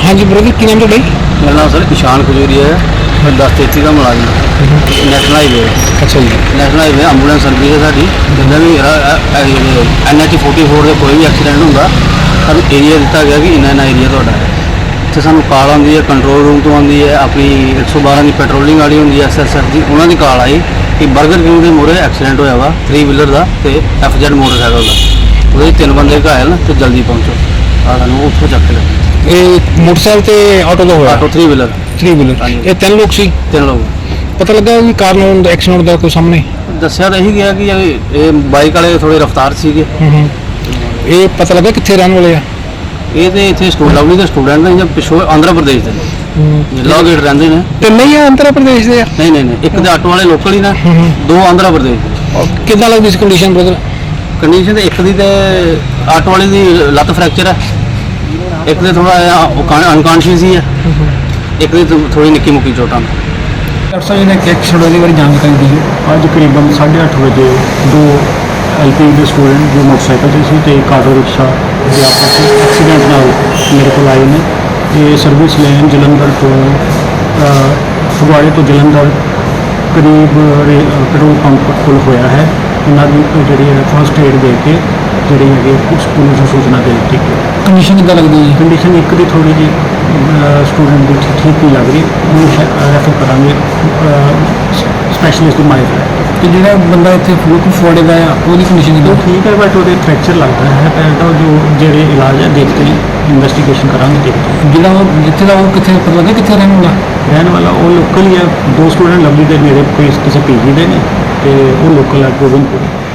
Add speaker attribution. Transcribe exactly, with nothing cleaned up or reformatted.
Speaker 1: हाँ जी ब्रदर की नाम है?
Speaker 2: मेरा नाम सर ईशान खजूरिया है। मैं दस तेती का मुलाजिम नैशनल हाईवे।
Speaker 1: अच्छा जी।
Speaker 2: नैशनल हाईवे एंबूलेंस सर्विस है साड़ी जिदा भी एन एच फोर्टी फोर से कोई भी एक्सीडेंट होंगे सू एरिया दिता गया कि इन्ना इन्ना एरिया तो है। इतने सू कॉल आती है कंट्रोल रूम तो आती है अपनी एक सौ बारह की पेट्रोलिंग वाली होंगी एस एस एफ की उन्होंने कॉल आई कि बर्गर किंग के मोहरे एक्सीडेंट होया वा थ्री व्हीलर का तो एफ जेड मोटरसाइकिल का वो तीन बंदे घायल तो जल्दी पहुँचो सू उत्थों चक लिया।
Speaker 1: ये मोटरसाइकिल ते ऑटो का होया?
Speaker 2: Auto three wheeler
Speaker 1: three wheeler ये तीन लोग सी?
Speaker 2: तीन लोग।
Speaker 1: पता लगा कि कारण एक्सीडेंट का कोई सामने
Speaker 2: दसिया तो यही गया कि ये बाइक वाले थोड़ी रफ्तार से
Speaker 1: ये पता लगा कितने रहने वाले आ?
Speaker 2: ये तो इतने स्टूड लवली के स्टूडेंट ने जब पिछों आंध्र प्रदेश के लॉ गेट रहते हैं।
Speaker 1: तो नहीं है आंध्र प्रदेश दे?
Speaker 2: नहीं नहीं नहीं एक तो ऑटो वाले लोकल ही ना दो आंध्र प्रदेश के।
Speaker 1: कितना लगती इस कंडीशन ब्रदर?
Speaker 2: कंडीशन तो एक दी तो ऑटो वाले की लत्त फ्रैक्चर है, एक तो थोड़ा अनकॉन्शियस ही है, एक तो थोड़ी निक्की मुक्की चोटां।
Speaker 3: डॉक्टर साहब ने एक एक्सीडेंट बारे जानकारी दी है। अज करीबन साढ़े अठ बजे दो एल पी के स्टूडेंट जो मोटरसाइकिल से थे एक ऑटो रिक्शा के आपस में एक्सीडेंट नाल मेरे को आए ने। ये सर्विस लैन जलंधर तो फगवाड़े तो जलंधर करीब पेट्रोल पंप कोल होया है। इन्होंने जी फस्ट एड दे के जी है कुछ पुलिस सूचना दे दी।
Speaker 1: कंडीशन कितना लगती है?
Speaker 3: कंडीशन एक दी थोड़ी जी स्टूडेंट की ठीक नहीं लग रही, रैफर करा स्पैशलिस्ट माइक है।
Speaker 1: तो जो बंदा इतने बिल्कुल फुआड़े का वो कंडीशन
Speaker 3: तो ठीक है बट वो फ्रैक्चर लगता है तो जो जेडे इलाज है देखते हैं इन्वेस्टिगेशन करांगे देखते हैं।
Speaker 1: जो जितने का वो कितने पता लगे कितने रहने वाला?
Speaker 3: रहने वाला वो लोकल ही है। दो स्टूडेंट लवली के मेरे कोई किसी पी जी के ने तो वो लोकल है गोबिंदपुर।